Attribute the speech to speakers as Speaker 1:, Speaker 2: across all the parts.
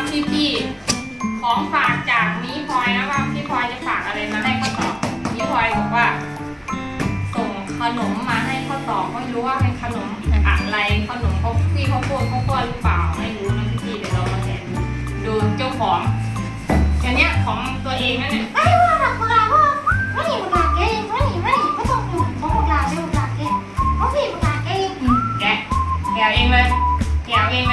Speaker 1: พี่ของฝากจากนี้พลอยนะว่าพี่พลอยจะฝากอะไรมาให้ข้าวตอกนี้พลอยบอกว่าส่งขนมมาให้ข้าวตอกไม่รู้ว่าเป็นขนมอะไรขนมเขาพี่เขาพูดหรือเปล่าไม่รู้นะพี่เดี๋ยวเรามาแกะดูเจ้าของอันเนี้ยของตัวเองนั่นแหละ
Speaker 2: ไม่ว่าหลักเวลาพ่อไม่หนีหลักเองไม่ต้องหยุดของหลักเองหลักเองเขาผิดหลักเอง
Speaker 1: แกะเองเลยนี่หลักเอง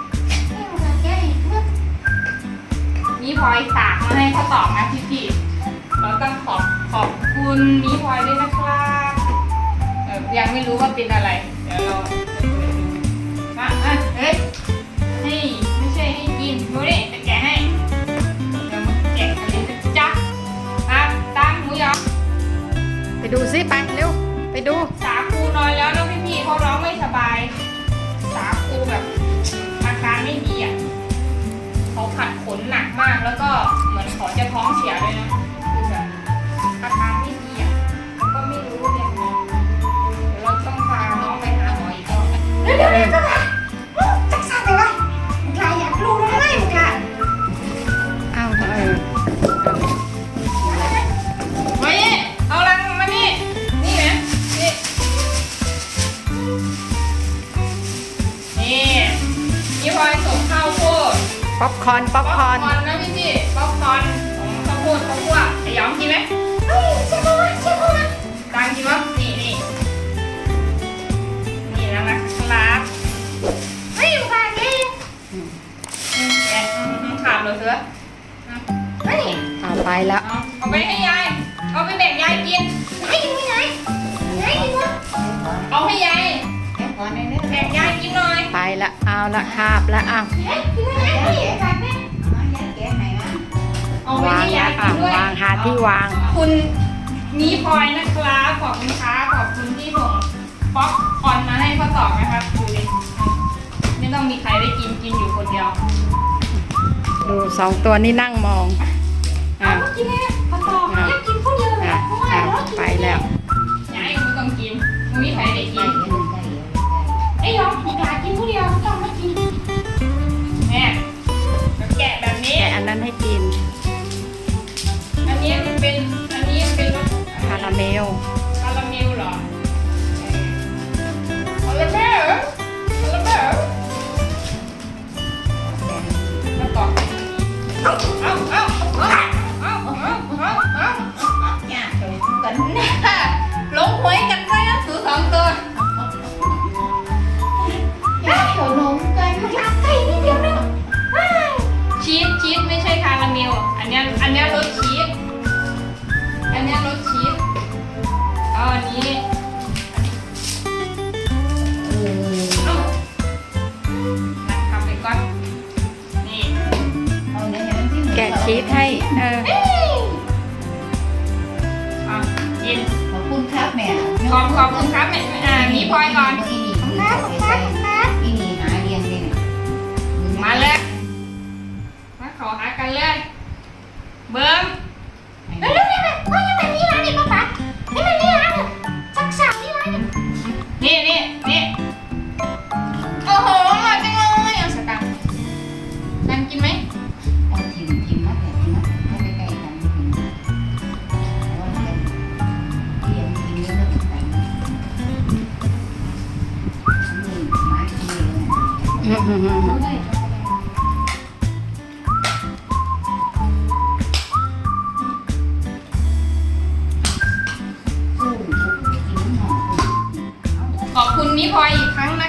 Speaker 1: นี่พลอยฝากมาให้ข้าวตอกนะพี่เราต้องขอบคุณนี้พลอยด้วยนะครับยังไม่รู้ว่าเป็นอะไรเดี๋ยวเราเฮ้ยนี่ไม่ใช่ให้กินดูดิจะแกะให้เดี๋ยวมาแกะกันเลยจ้ะตั้งหมูยอ
Speaker 3: ไปดูซิไปเร็วไปดู
Speaker 1: สาคูนอนแล้วนะพี่เขาร้องไม่สบายสาคูแบบอาการไม่ดีอ่ะเขาขัดขนหนักมากแล้วก็เหมือนเขาจะท้องเสียเลยนะคือแบบอาการไม่ดีอ่ะแล้วก็ไม่รู้เนี่ยเดี๋ยวเราต้องพาน้องไปหาหมออีกรอบ
Speaker 2: เดี๋ยวก็ได้จักสั่งไปเลยหลายอยากรู้ได้ไหมมึงล่ะ
Speaker 3: อ้าว
Speaker 1: มานี่เอาลังมานี่นี่นะนี่พลอยส่งข้าวโพด
Speaker 3: ป๊อปคอร์น
Speaker 1: นะพี่ป๊อปคอร์นของข้าวโพดข้าวคั่วไอ้ยอมกินไหม
Speaker 2: เชื่อเขานะ
Speaker 1: ตังกินวะนี่แล้วนะครับ
Speaker 2: ไม่หลักเอง
Speaker 1: แกะขาดเลยเสือ
Speaker 2: ไม่
Speaker 3: เอาไปแล้ว
Speaker 1: เอาไปให้ยายเอาไปแบ่งยายกิน
Speaker 2: ให้กินไม่ไหนกินวะ
Speaker 1: เอาให้ยายแบ่งยายกินหน่อย
Speaker 3: ไปละเอาละคาบละเอา
Speaker 2: กินไม่ไหนหลักเนี่ย
Speaker 1: เอาไปให้ยายกินด้วย
Speaker 3: วางหาที่วาง
Speaker 1: คุณนี้พลอยนะครับขอบคุณค่ะขอบคุณที่ส่งป๊อปคอร์นมาให้ข้าวตอกนะครับดูดิไม่ต้องมีใครได้กินอยู่คนเดียว
Speaker 3: ดูสองตัวนี่นั่งมอง
Speaker 2: กินเนี่ยข้าวตอกอยากกินคนเดียวเลย
Speaker 3: ไปแล้ว
Speaker 1: ยายไม่ต้องกินไม่มีใครได้กิน
Speaker 2: ไอ้ยอมอยากกินคนเดียวต้องไม่กิน
Speaker 1: แม่แกะแบบนี้
Speaker 3: แกะอันนั้นให้กิน
Speaker 1: อันนี้เป็น
Speaker 3: คาราเมล
Speaker 1: เหรอคาราเมลแล้วต่อลงหวยกันไปนะสูสองตัว
Speaker 2: ขนมกันมันรักใครนิดเดียวนึง
Speaker 1: ชีสไม่ใช่คาราเมลอันนี้รสชีสเอาอันนี้ทำไปก่อนนี่
Speaker 3: แกะชีสให้
Speaker 1: กิน
Speaker 2: ขอบคุณครับแม่
Speaker 1: ขอบคุณครับแม่มีพลอยก่อน
Speaker 2: ครับ
Speaker 1: อีนี่หาเรียนเลยมาเลยมาขอหากันเลยเบิ้ม
Speaker 2: เร็วว่ายังเป็นนี่ร้านนี่ป้านี่มันนี่ร้านสักสาวนี่ร้าน
Speaker 1: นี่โอ้โหมาจังเลยเอาสตังค์นั่งกินไหม
Speaker 2: เอาทิมมาแต่ทิมมาให้ใกล้ๆกันทิมว่ามันเรียนกินเยอะๆกันนี่มาที่นี่
Speaker 1: ขอบคุณนิพลอยอีกครั้งน